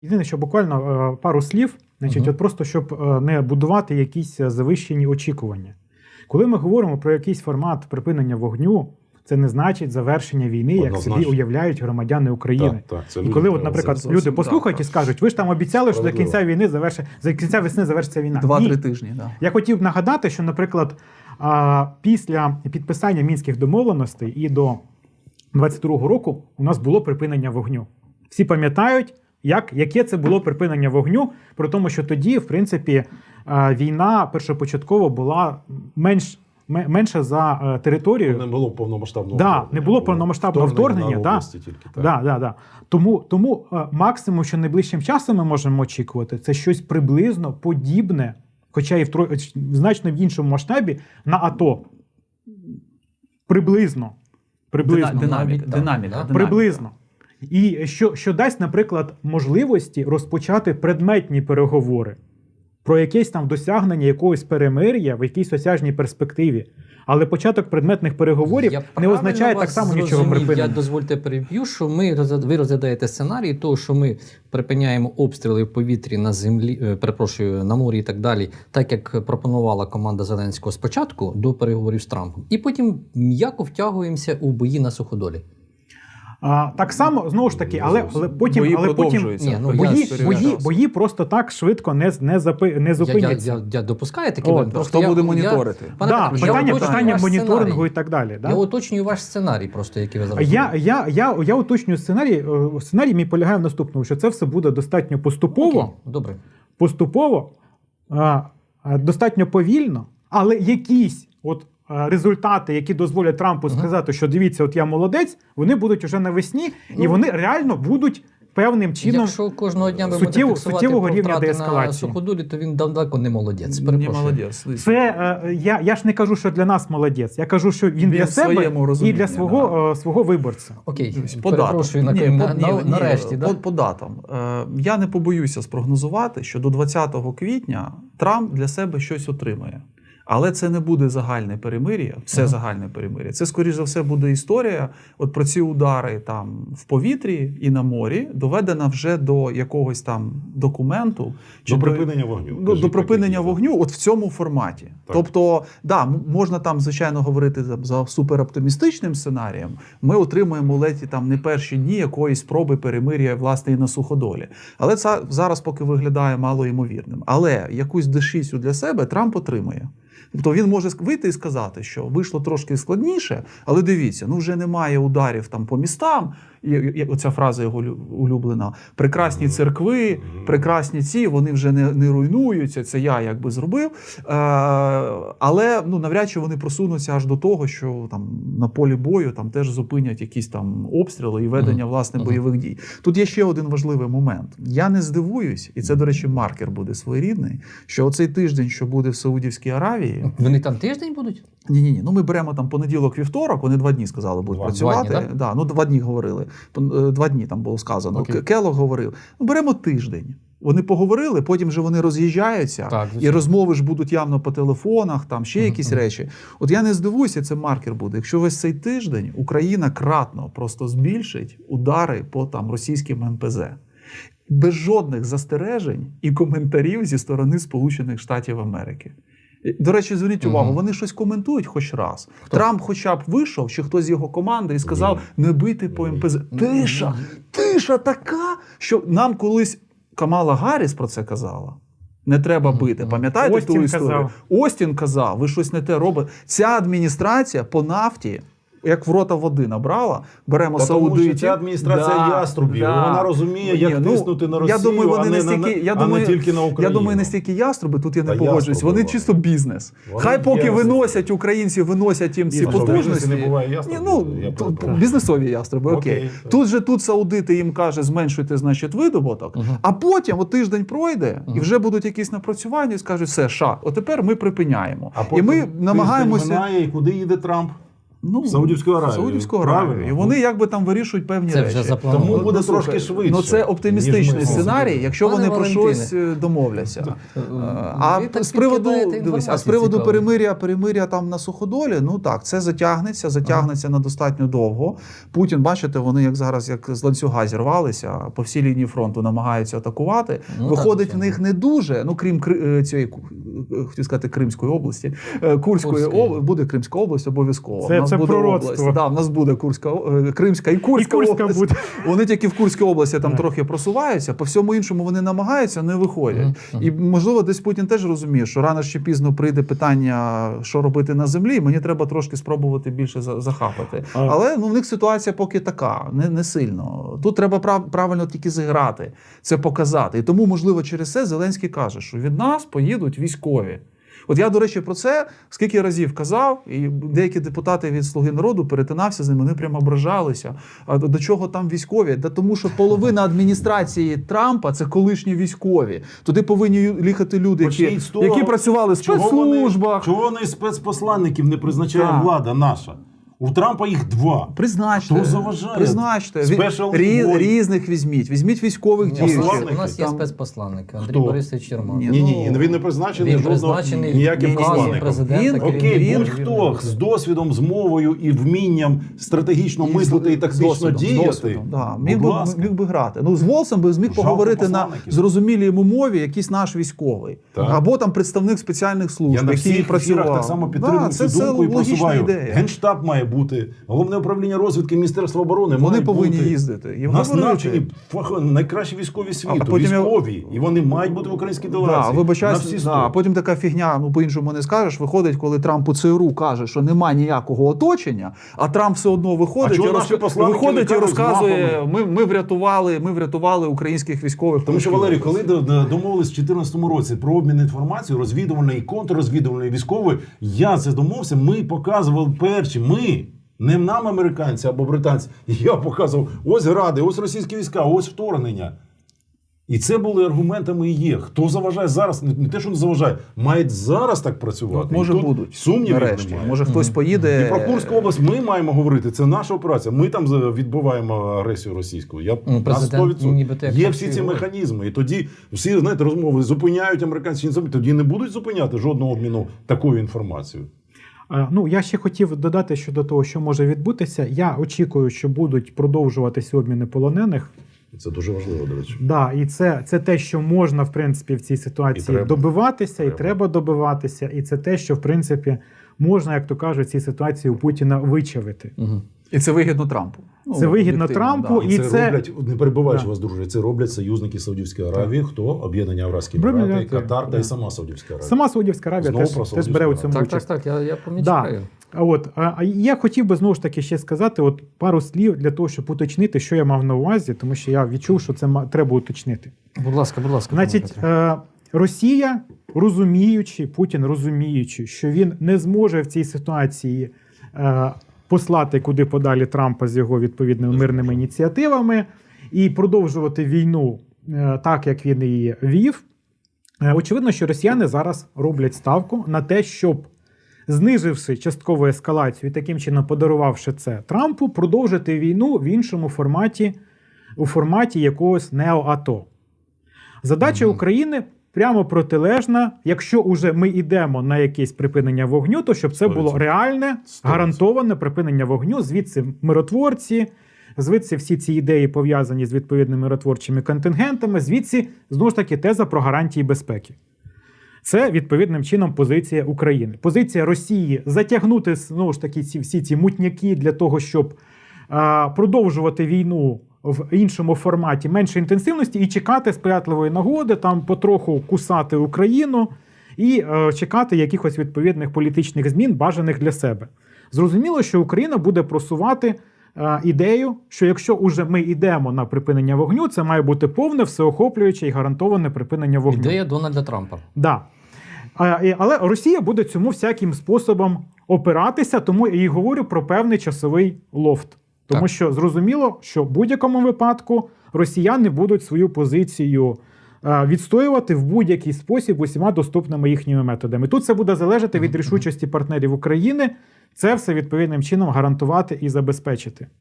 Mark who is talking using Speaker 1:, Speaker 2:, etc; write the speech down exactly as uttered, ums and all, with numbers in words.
Speaker 1: Єдине, що буквально пару слів, значить,
Speaker 2: Угу.
Speaker 1: от просто щоб не будувати якісь завищені очікування. Коли ми говоримо про якийсь формат припинення вогню, це не значить завершення війни, як собі уявляють громадяни України.
Speaker 3: Так, так,
Speaker 1: і коли, от, наприклад, люди послухають і скажуть, ви ж там обіцяли, що до кінця війни завершить, за кінця весни завершиться війна.
Speaker 2: Два-три тижні, да.
Speaker 1: Я хотів б нагадати, що, наприклад, після підписання Мінських домовленостей і до двадцять другого року у нас було припинення вогню. Всі пам'ятають, як, яке це було припинення вогню, при тому, що тоді, в принципі, війна першопочатково була менш, менша за територію.
Speaker 3: Не було повномасштабного
Speaker 1: да,
Speaker 3: вторгнення.
Speaker 1: не було повномасштабного вторгнення.
Speaker 3: вторгнення
Speaker 1: да,
Speaker 3: області тільки, так.
Speaker 1: Да, да, да. Тому, тому максимум, що найближчим часом ми можемо очікувати, це щось приблизно подібне, хоча і в, тро... в значно в іншому масштабі, на АТО. Приблизно. Приблизно.
Speaker 2: Динаміка. Динаміка.
Speaker 1: Приблизно. І що, що дасть, наприклад, можливості розпочати предметні переговори про якесь там досягнення якогось перемир'я в якійсь осяжній перспективі. Але початок предметних переговорів
Speaker 4: я
Speaker 1: не означає так само нічого
Speaker 4: зрозумів.
Speaker 1: припинення.
Speaker 4: Я, дозвольте, переб'ю, що ми, ви розглядаєте сценарій того, що ми припиняємо обстріли в повітрі, на землі, перепрошую, на морі і так далі, так як пропонувала команда Зеленського спочатку до переговорів з Трампом. І потім м'яко втягуємося у бої на суходолі.
Speaker 1: А, так само, знову ж таки, але, але потім,
Speaker 2: бої
Speaker 1: але потім
Speaker 4: Ні, ну,
Speaker 1: бої,
Speaker 4: я
Speaker 1: бої, бої просто так швидко не, не, запи, не
Speaker 4: Я, я,
Speaker 1: зупиняться.
Speaker 4: я, я допускаю такі
Speaker 1: О,
Speaker 4: варіанти.
Speaker 2: хто
Speaker 4: я,
Speaker 2: буде
Speaker 4: я,
Speaker 2: моніторити?
Speaker 4: Пане
Speaker 1: Да,
Speaker 4: Петро, я
Speaker 1: питання
Speaker 4: уточнюю
Speaker 1: питання
Speaker 4: ваш
Speaker 1: моніторингу
Speaker 4: сценарій.
Speaker 1: і так далі. Да?
Speaker 4: Я уточнюю ваш сценарій, просто який ви зараз
Speaker 1: Я,
Speaker 4: робите.
Speaker 1: я, я, я, я уточнюю сценарій. Сценарій мій полягає в наступному, що це все буде достатньо поступово,
Speaker 4: Окей, добре.
Speaker 1: поступово, а, а, достатньо повільно, але якісь от а, результати, які дозволять Трампу
Speaker 4: Ага.
Speaker 1: сказати, що дивіться, от я молодець, вони будуть уже навесні, і
Speaker 4: Ну,
Speaker 1: вони реально будуть певним чином.
Speaker 4: Якщо кожного дня ви
Speaker 1: суттєво-
Speaker 4: будете фіксувати
Speaker 1: суттєвого
Speaker 4: про
Speaker 1: рівня
Speaker 4: втрати на
Speaker 1: деескалації.
Speaker 4: суходолі, то він далеко не молодець.
Speaker 2: Не
Speaker 4: Перепрошую.
Speaker 2: молодець.
Speaker 1: Це е, я, я ж не кажу, що для нас молодець. Я кажу, що він,
Speaker 2: Він
Speaker 1: для
Speaker 2: в
Speaker 1: себе
Speaker 2: своєму
Speaker 1: і
Speaker 2: розумінні,
Speaker 1: для свого, е, свого виборця.
Speaker 4: Окей,
Speaker 2: По датам.
Speaker 4: перепрошую, на,
Speaker 2: Ні,
Speaker 4: на,
Speaker 2: по-
Speaker 4: на,
Speaker 2: ні, ні,
Speaker 4: нарешті.
Speaker 2: по,
Speaker 4: Да?
Speaker 2: по датам. Е, я не побоюся спрогнозувати, що до двадцятого квітня Трамп для себе щось отримає. Але це не буде загальне перемир'я, все
Speaker 4: Ага.
Speaker 2: загальне перемир'я. Це, скоріш за все, буде історія от про ці удари там в повітрі і на морі, доведена вже до якогось там документу.
Speaker 3: До припинення вогню.
Speaker 2: До, до припинення вогню от в цьому форматі.
Speaker 3: Так.
Speaker 2: Тобто, да, м- можна там, звичайно, говорити за, за супероптимістичним сценарієм. Ми отримуємо ледь там не перші дні якоїсь спроби перемир'я, власне, і на суходолі. Але це зараз поки виглядає малоймовірним. Але якусь дешісю для себе Трамп отримує. Тобто він може вийти і сказати, що вийшло трошки складніше, але дивіться, ну вже немає ударів там по містам, і, і оця фраза його лю- улюблена, прекрасні церкви, прекрасні ці, вони вже не, не руйнуються, це я якби зробив. Е, але ну, навряд чи вони просунуться аж до того, що там на полі бою там теж зупинять якісь там обстріли і ведення, власне,
Speaker 4: Мгм.
Speaker 2: бойових дій. Тут є ще один важливий момент. Я не здивуюсь, і це, до речі, маркер буде своєрідний, що оцей тиждень, що буде в Саудівській Аравії,
Speaker 4: Вони там тиждень будуть?
Speaker 2: ні, ні, ні. Ну ми беремо там понеділок-вівторок, вони два дні сказали, будуть
Speaker 3: Два.
Speaker 2: працювати.
Speaker 4: Два дні,
Speaker 2: да, ну два дні говорили. Пон- е, Два дні там було сказано.
Speaker 4: Окей.
Speaker 2: К- Келлог говорив. Ну беремо тиждень. Вони поговорили, потім вже вони роз'їжджаються,
Speaker 4: Так,
Speaker 2: і
Speaker 4: звичайно.
Speaker 2: розмови ж будуть явно по телефонах, там ще
Speaker 4: Мгм,
Speaker 2: якісь
Speaker 4: мгм.
Speaker 2: речі. От я не здивуюся, це маркер буде. Якщо весь цей тиждень Україна кратно просто збільшить удари по там російським ем пе зет. Без жодних застережень і коментарів зі сторони Сполучених Штатів Америки. До речі, зверніть увагу,
Speaker 4: Мгм.
Speaker 2: вони щось коментують хоч раз.
Speaker 4: Хто?
Speaker 2: Трамп хоча б вийшов, чи хтось з його команди і сказав, не бити по ем пе зет. Тиша, тиша така, що нам колись Камала Гарріс про це казала. Не треба бити. Пам'ятаєте
Speaker 1: Остін
Speaker 2: ту історію?
Speaker 1: казав.
Speaker 2: Остін казав, ви щось не те робите. Ця адміністрація по нафті, як в рота води набрала, беремо
Speaker 3: Та тому що
Speaker 2: саудитів.
Speaker 3: ця адміністрація яструбів, вона розуміє, як
Speaker 2: Ні, ну,
Speaker 3: тиснути на Росію,
Speaker 2: я думаю, вони
Speaker 3: а не
Speaker 2: не
Speaker 3: на-
Speaker 2: стільки, я
Speaker 3: а не
Speaker 2: думаю,
Speaker 3: тільки на Україну.
Speaker 2: Я думаю, не стільки яструби, тут я не
Speaker 3: Та
Speaker 2: погоджуюсь.
Speaker 3: яструби
Speaker 2: Вони
Speaker 3: вони.
Speaker 2: чисто бізнес.
Speaker 3: Вони
Speaker 2: Хай поки
Speaker 3: яструби.
Speaker 2: виносять українці, виносять їм ці
Speaker 3: Бізнес, що в бізнесі
Speaker 2: потужності.
Speaker 3: не буває
Speaker 2: Ні,
Speaker 3: яструбів?
Speaker 2: ну,
Speaker 3: Я
Speaker 2: тут
Speaker 3: перепрошую.
Speaker 2: бізнесові яструби, окей.
Speaker 3: Окей, так.
Speaker 2: Тут же тут саудити їм каже, зменшуйте, значить, видобуток,
Speaker 4: Мгм.
Speaker 2: а потім от тиждень пройде, і
Speaker 4: Мгм.
Speaker 2: вже будуть якісь напрацювання, і скажуть, все, ша, от тепер ми припиняємо.
Speaker 3: А
Speaker 2: і
Speaker 3: потім
Speaker 2: ми
Speaker 3: тиждень
Speaker 2: намагаємося...
Speaker 3: минає, і куди їде Трамп?
Speaker 2: Ну,
Speaker 3: Саудівську Аравію.
Speaker 2: Саудівську Аравію.
Speaker 3: Правильно.
Speaker 2: І вони якби там вирішують певні
Speaker 4: Це
Speaker 2: речі.
Speaker 4: вже заплановано.
Speaker 3: Тому буде
Speaker 2: Ну, слухай,
Speaker 3: трошки швидше.
Speaker 2: Ну це оптимістичний
Speaker 3: ніж ми
Speaker 2: сценарій, якщо
Speaker 4: Пане
Speaker 2: вони про
Speaker 4: Валентине.
Speaker 2: щось е, домовляться.
Speaker 4: Ви
Speaker 2: А
Speaker 4: так
Speaker 2: з приводу
Speaker 4: підкидаєте
Speaker 2: дивись, а з
Speaker 4: інформацію
Speaker 2: приводу
Speaker 4: цікаву.
Speaker 2: перемиря, перемиря там на суходолі, ну так, це затягнеться, затягнеться на достатньо довго. Путін, бачите, вони як зараз як з ланцюга зірвалися, по всій лінії фронту намагаються атакувати.
Speaker 4: Ну,
Speaker 2: Виходить
Speaker 4: так,
Speaker 2: в них не дуже, ну крім Кри- е, цієї ку- е, хотів сказати Кримської області, е, Курської
Speaker 4: Курської.
Speaker 2: області, буде Кримська область обов'язково.
Speaker 1: Це-
Speaker 2: У нас
Speaker 1: це
Speaker 2: буде
Speaker 1: пророцтво.
Speaker 2: область. Да, в нас буде Курська, е, Кримська і Курська,
Speaker 1: І Курська
Speaker 2: область.
Speaker 1: буде.
Speaker 2: Вони тільки в Курській області там
Speaker 1: Так.
Speaker 2: трохи просуваються, по всьому іншому вони намагаються, не виходять.
Speaker 4: Мгм.
Speaker 2: І можливо, десь Путін теж розуміє, що рано чи пізно прийде питання, що робити на землі. і Мені треба трошки спробувати більше за- захапати.
Speaker 1: А-
Speaker 2: Але ну в них ситуація поки така, не, не сильно. Тут треба прав, правильно тільки зіграти, це показати. І тому, можливо, через це Зеленський каже, що від нас поїдуть військові. От я, до речі, про це скільки разів казав, і деякі депутати від «Слуги народу» перетинався з ними, вони прямо ображалися. А до, до чого там військові? Да тому що половина адміністрації Трампа – це колишні військові. Туди повинні ю- їхати люди, які,
Speaker 3: Почніть з того,
Speaker 2: які працювали в
Speaker 3: Чого вони,
Speaker 2: спецслужбах.
Speaker 3: чого вони спецпосланників не призначає
Speaker 2: Так.
Speaker 3: влада наша? У Трампа їх два.
Speaker 2: Призначте.
Speaker 3: Хто заважає?
Speaker 2: Призначте. Ві-
Speaker 3: Special
Speaker 2: рі-
Speaker 3: envoy.
Speaker 2: різних візьміть. Візьміть військових
Speaker 4: Ні,
Speaker 2: діючих.
Speaker 3: посланники.
Speaker 4: У нас є
Speaker 3: Там-
Speaker 4: спецпосланник Андрій
Speaker 3: Хто?
Speaker 4: Борисович Чермак.
Speaker 2: Ні,
Speaker 3: Ні, ні, він не призначений
Speaker 4: Він
Speaker 3: жодного
Speaker 4: призначений
Speaker 3: ніяким
Speaker 2: ні, ні, ні.
Speaker 3: посланником.
Speaker 4: президента.
Speaker 2: Він-
Speaker 3: Окей,
Speaker 2: Він-
Speaker 3: будь-хто з досвідом, з мовою і вмінням стратегічно
Speaker 2: І з-
Speaker 3: мислити і
Speaker 2: з
Speaker 3: тактично
Speaker 2: досвідом, з
Speaker 3: діяти.
Speaker 2: досвідом, да.
Speaker 3: Будь
Speaker 2: Міг би,
Speaker 3: ласка.
Speaker 2: міг би грати. Ну, з Волсом би зміг
Speaker 3: Жалко
Speaker 2: поговорити на
Speaker 3: посланників.
Speaker 2: зрозумілій йому мові якийсь наш військовий.
Speaker 3: Так.
Speaker 2: Або там представник спеціальних служб,
Speaker 3: Я на
Speaker 2: який
Speaker 3: всіх
Speaker 2: працював.
Speaker 3: ефірах так само підтримую
Speaker 2: Да,
Speaker 3: цю
Speaker 2: це,
Speaker 3: думку
Speaker 2: це
Speaker 3: і
Speaker 2: логічна
Speaker 3: просуваю.
Speaker 2: ідея.
Speaker 3: Генштаб має бути, головне управління розвідки Міністерства оборони
Speaker 2: Вони
Speaker 3: має
Speaker 2: повинні
Speaker 3: бути.
Speaker 2: їздити. І
Speaker 3: У нас
Speaker 2: говорити.
Speaker 3: навчені фах- найкращі військові світу,
Speaker 2: А потім я-
Speaker 3: військові, і вони мають бути в українській
Speaker 2: Да,
Speaker 3: делегації. На
Speaker 2: вибачаюсь,
Speaker 3: всі
Speaker 2: да,
Speaker 3: сто.
Speaker 2: а потім така фігня, ну по-іншому не скажеш, виходить, коли Трамп у ЦРУ каже, що немає ніякого оточення, а Трамп все одно виходить,
Speaker 3: А чого
Speaker 2: і,
Speaker 3: наші
Speaker 2: розка-
Speaker 3: посланники
Speaker 2: виходить
Speaker 3: не
Speaker 2: і
Speaker 3: кажуть з
Speaker 2: розказує,
Speaker 3: мапами?
Speaker 2: ми, ми, врятували, ми врятували українських військових.
Speaker 3: Тому що,
Speaker 2: в
Speaker 3: Валерій,
Speaker 2: Курській
Speaker 3: коли
Speaker 2: області.
Speaker 3: до- до- домовились в дві тисячі чотирнадцятому році про обмін інформацією, розвідувальної і контррозвідувальної військової, я це домовився, ми показували перші, ми, не нам американці або британці, я показував, ось гради, ось російські війська, ось вторгнення. І це були аргументами і є. Хто заважає зараз, не не те, що не заважає, мають зараз так працювати.
Speaker 2: Ну, може
Speaker 3: І тут
Speaker 2: будуть.
Speaker 3: Сумнівів
Speaker 2: Нарешті.
Speaker 3: немає.
Speaker 2: Може хтось поїде.
Speaker 3: І про Курську область ми маємо говорити. Це наша операція. Ми там за- відбиваємо агресію російську. Я
Speaker 4: Ну,
Speaker 3: на
Speaker 4: президент
Speaker 3: сто відсотків.
Speaker 4: нібито як
Speaker 3: Є
Speaker 4: так
Speaker 3: всі
Speaker 4: і
Speaker 3: ці
Speaker 4: говорить.
Speaker 3: механізми. І тоді всі знаєте, розмови зупиняють американці, не зупиняють. Тоді не будуть зупиняти жодного обміну такою інформацією.
Speaker 1: Е, Ну, я ще хотів додати щодо того, що може відбутися. Я очікую, що будуть продовжуватися обміни полонених.
Speaker 3: Це дуже важливо, до речі.
Speaker 1: Да, і це, це те, що можна, в принципі, в цій ситуації
Speaker 3: І треба.
Speaker 1: добиватися,
Speaker 3: Треба.
Speaker 1: і треба добиватися. І це те, що, в принципі, можна, як то кажуть, в цій ситуації у Путіна вичавити.
Speaker 4: Угу.
Speaker 2: І це вигідно Трампу. Ну,
Speaker 1: Це вигідно
Speaker 2: об'єктивно,
Speaker 1: Трампу,
Speaker 3: І,
Speaker 1: І
Speaker 3: це,
Speaker 1: це-
Speaker 3: роблять, не перебиваючи
Speaker 1: Да.
Speaker 3: вас, друже, це роблять союзники Саудівської Аравії. Хто? Об'єднання Арабські
Speaker 1: Об'єднані
Speaker 3: Емірати,
Speaker 1: Емірати,
Speaker 3: Катар та
Speaker 1: да.
Speaker 3: і сама Саудівська Аравія.
Speaker 1: Сама Саудівська Аравія
Speaker 3: Знову
Speaker 1: теж,
Speaker 3: про
Speaker 1: теж
Speaker 3: Саудівську
Speaker 1: бере у
Speaker 3: Аравію.
Speaker 1: цьому
Speaker 4: Так, так,
Speaker 1: участь.
Speaker 4: так, я, я помічаю.
Speaker 1: Да. А От, а а я хотів би знову ж таки ще сказати от пару слів для того, щоб уточнити, що я мав на увазі, тому що я відчув, що це ма- треба уточнити.
Speaker 4: Будь ласка, будь ласка.
Speaker 1: Значить,
Speaker 4: пане Петре.
Speaker 1: е, Росія, розуміючи, Путін розуміючи, що він не зможе в цій ситуації е, послати куди подалі Трампа з його відповідними мирними ініціативами і продовжувати війну е, так, як він її вів. Е, очевидно, що росіяни зараз роблять ставку на те, щоб, зниживши часткову ескалацію і таким чином подарувавши це Трампу, продовжити війну в іншому форматі, у форматі якогось неоАТО. Задача
Speaker 4: Мгм.
Speaker 1: України прямо протилежна. Якщо уже ми йдемо на якесь припинення вогню, то щоб це було
Speaker 3: сто відсотків.
Speaker 1: реальне,
Speaker 3: сто відсотків.
Speaker 1: гарантоване припинення вогню. Звідси миротворці, звідси всі ці ідеї пов'язані з відповідними миротворчими контингентами, звідси, знову ж таки, теза про гарантії безпеки. Це відповідним чином позиція України. Позиція Росії затягнути знову ж таки ці всі ці мутняки для того, щоб а, продовжувати війну в іншому форматі, менше інтенсивності, і чекати сприятливої нагоди, там потроху кусати Україну і е, чекати якихось відповідних політичних змін, бажаних для себе. Зрозуміло, що Україна буде просувати е, ідею, що якщо уже ми йдемо на припинення вогню, це має бути повне, всеохоплююче і гарантоване припинення вогню.
Speaker 4: Ідея Дональда Трампа.
Speaker 1: Да. А, і- Але Росія буде цьому всяким способом опиратися, тому я і говорю про певний часовий лофт. Тому
Speaker 4: Так.
Speaker 1: що зрозуміло, що в будь-якому випадку росіяни будуть свою позицію е, відстоювати в будь-який спосіб усіма доступними їхніми методами. Тут це буде залежати від рішучості партнерів України. Це все відповідним чином гарантувати і забезпечити.